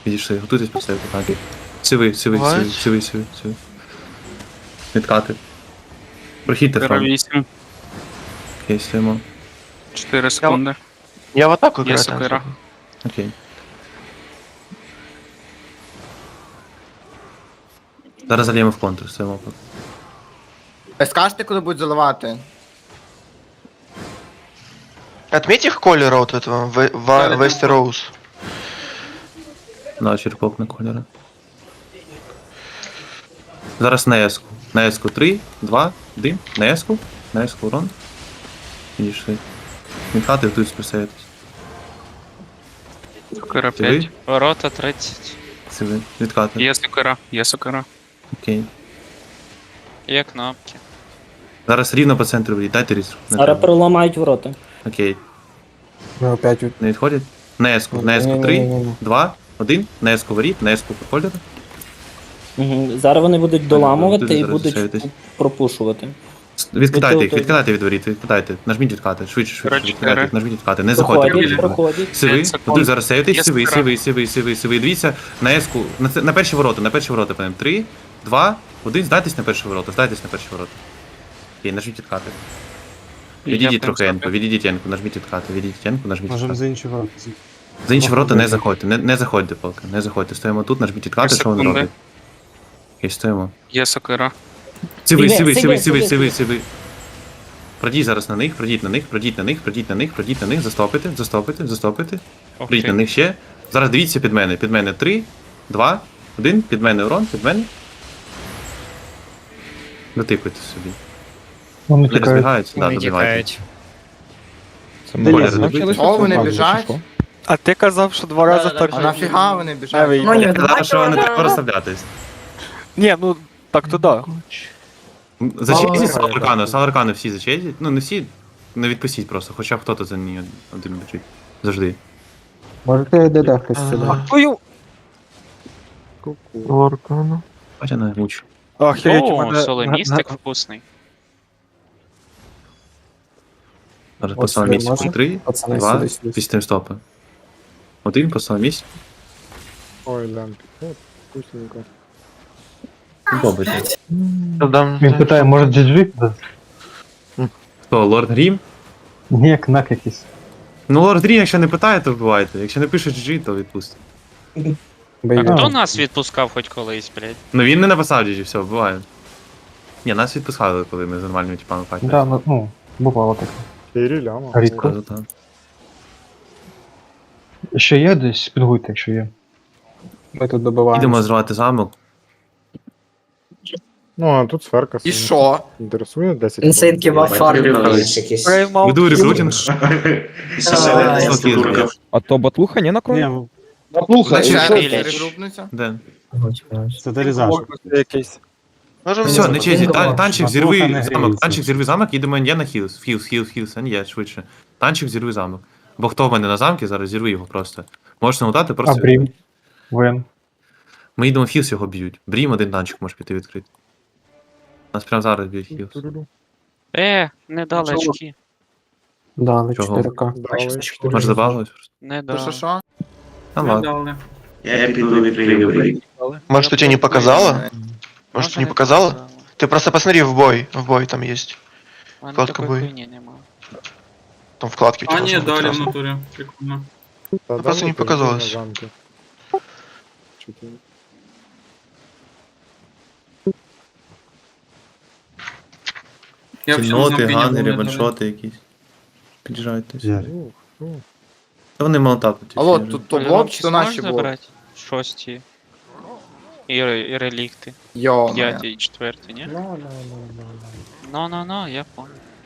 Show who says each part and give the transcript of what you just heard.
Speaker 1: Підійшли, готуйтесь поставити атаки. Сиви. Відкати. Прохідьте фронт.
Speaker 2: 8,
Speaker 1: Окей, стоїмо.
Speaker 2: 4 секунди.
Speaker 3: Я в атаку
Speaker 2: Є
Speaker 3: играю.
Speaker 2: сокира.
Speaker 1: Окей. Зараз зальємо в контур, стоїмо.
Speaker 4: Скажете, куди будуть заливати?
Speaker 3: Отметь их колера вот этого, Вестероуз.
Speaker 1: На черпок на кольори. Зараз на еску. На еску 3, 2, 1. На еску. На еску урон. Підійшли. Відкати, тут списаєтесь.
Speaker 2: Сокира
Speaker 1: Ти
Speaker 2: 5. Ворота 30.
Speaker 1: Сиви. Відкати.
Speaker 2: Є сокира.
Speaker 1: Окей.
Speaker 2: Є кнопки.
Speaker 1: Зараз рівно по центру ведіть. Дайте різку.
Speaker 5: Зараз проламають ворота.
Speaker 1: Окей.
Speaker 6: Ми опять
Speaker 1: Не відходять? На еску. На еску 3, 2, 1. На еску воріт. На еску по кольору.
Speaker 5: Угу. Зараз вони будуть доламувати
Speaker 1: Тут
Speaker 5: і
Speaker 1: зараз
Speaker 5: будуть
Speaker 1: лишаєтесь.
Speaker 5: пропушувати.
Speaker 1: Відкидайте їх,
Speaker 5: Готові.
Speaker 1: відкидайте від воріт, відкидайте. Нажміть відкати, швидше,
Speaker 2: Коротше,
Speaker 1: відкидайте їх, нажміть відкати. Не
Speaker 5: Проходять,
Speaker 1: заходьте.
Speaker 5: проходять.
Speaker 1: Сиви,
Speaker 2: 5 секунд.
Speaker 1: тут зараз сейвитесь,
Speaker 2: Є
Speaker 1: сиви. Дивіться, на еску, на перші ворота, панем. 3, 2, 1, здайтесь на перші ворота. Окей, нажміть відкати. Відійдіть трохи енку, відійдіть енку, нажміть відкати, нажміть
Speaker 6: можемо
Speaker 1: відкати.
Speaker 6: за інші ворота.
Speaker 1: За інші ворота не заходьте, не заходьте поки, не заходьте. Стоїмо тут, нажміть відкати, що вони
Speaker 2: Секунди.
Speaker 1: роблять. Окей, стоїмо.
Speaker 2: Є сокира.
Speaker 1: Сиви. Пройдіть зараз на них, пройдіть на них, застопити. Прийдіть на них ще. Зараз дивіться під мене. 3, 2, 1, під мене урон, під мене. Дотикуйте собі.
Speaker 6: Вони
Speaker 1: Не розбігаються, да, добивайте.
Speaker 4: О, вони біжать?
Speaker 7: А ти казав, що 2 рази так
Speaker 4: А
Speaker 7: же.
Speaker 4: нафіга вони біжать?
Speaker 1: Я казав, що вони так розставлятись.
Speaker 7: Ні, ну так то да.
Speaker 1: Зачезіть Саларкану всі зачезіть. Ну не всі, не відпустіть просто, хоча б хто-то за ній один біжить. Завжди.
Speaker 6: Можете ДД хтось сюди.
Speaker 7: Твою.
Speaker 1: Бача на муч.
Speaker 7: Охереть, у
Speaker 2: О,
Speaker 7: мене...
Speaker 2: солемістик вкусний.
Speaker 1: Зараз
Speaker 6: Ось
Speaker 1: по самому місці.
Speaker 6: можна?
Speaker 1: 3,
Speaker 6: Пацани,
Speaker 1: 2,
Speaker 6: сюди, сюди.
Speaker 1: після стопи. 1 по самому місці.
Speaker 6: Ой, лямпі. Вкусненько.
Speaker 1: Добре.
Speaker 8: Він питає, може GG?
Speaker 1: Хто, Лорд Грім?
Speaker 8: Ні, кнак якийсь.
Speaker 1: Ну, Лорд Грім, якщо не питає, то вбивайте. Якщо не пише GG, то відпустить.
Speaker 2: А
Speaker 6: Бойовик.
Speaker 2: хто нас відпускав хоч колись, блядь?
Speaker 1: Ну він не написав GG, все, вбиває. Ні, нас відпускали, коли ми з нормальними типами файтили.
Speaker 8: Да, ну, бувало таке.
Speaker 6: 4 ляма.
Speaker 8: Рідко. Ще є десь, підгуйте, якщо є.
Speaker 6: Ми тут добиваємо.
Speaker 1: Ідемо зривати замок.
Speaker 6: Ну, а тут сферка.
Speaker 4: І що?
Speaker 6: Інтересує 10.
Speaker 9: Інсейнки в якісь.
Speaker 1: Веду рекрутинг.
Speaker 10: А то батлуха не накроє?
Speaker 4: Регрупнуться?
Speaker 1: Де?
Speaker 6: Це дерізаж.
Speaker 7: Якийсь.
Speaker 1: Все, не чезі, танчик
Speaker 8: Батлуха
Speaker 1: зірви
Speaker 8: не
Speaker 1: замок,
Speaker 8: гріється.
Speaker 1: танчик зірви замок, їдемо я на хілс, а не я, швидше. Танчик зірви замок. Бо хто в мене на замки, зараз зірви його просто. Можеш намотати,
Speaker 8: А
Speaker 1: просто.
Speaker 8: Брім? Вен.
Speaker 1: Ми йдемо в хілс, його б'ють. Брім один танчик може піти відкрити. Нас прямо зараз б'ють хілс.
Speaker 2: Не дали очки.
Speaker 6: Да, на
Speaker 1: Чого?
Speaker 6: 4К.
Speaker 1: Може забавилось просто?
Speaker 2: Не
Speaker 4: То що
Speaker 2: дали.
Speaker 4: що?
Speaker 1: А ладно.
Speaker 3: Я піду відкрию. Может, у тебя не показало? Может, не показало? Ты просто посмотри в бой там есть.
Speaker 2: У мене
Speaker 3: Вкладка
Speaker 2: такої
Speaker 3: бой.
Speaker 2: хуйні нема.
Speaker 3: Там вкладки у тебя. должны быть сразу.
Speaker 2: натурі. Прикольно.
Speaker 3: Просто не показалось.
Speaker 1: Кінноти, ганери, ваншоти якісь. Під'їжджайте. Та вони молотапуть.
Speaker 4: Алло, тут то блок чи то наші блок?
Speaker 2: забрати? Шості. І релікти.
Speaker 4: Йо.
Speaker 2: П'яті і четверті, ні? Ну, я понял.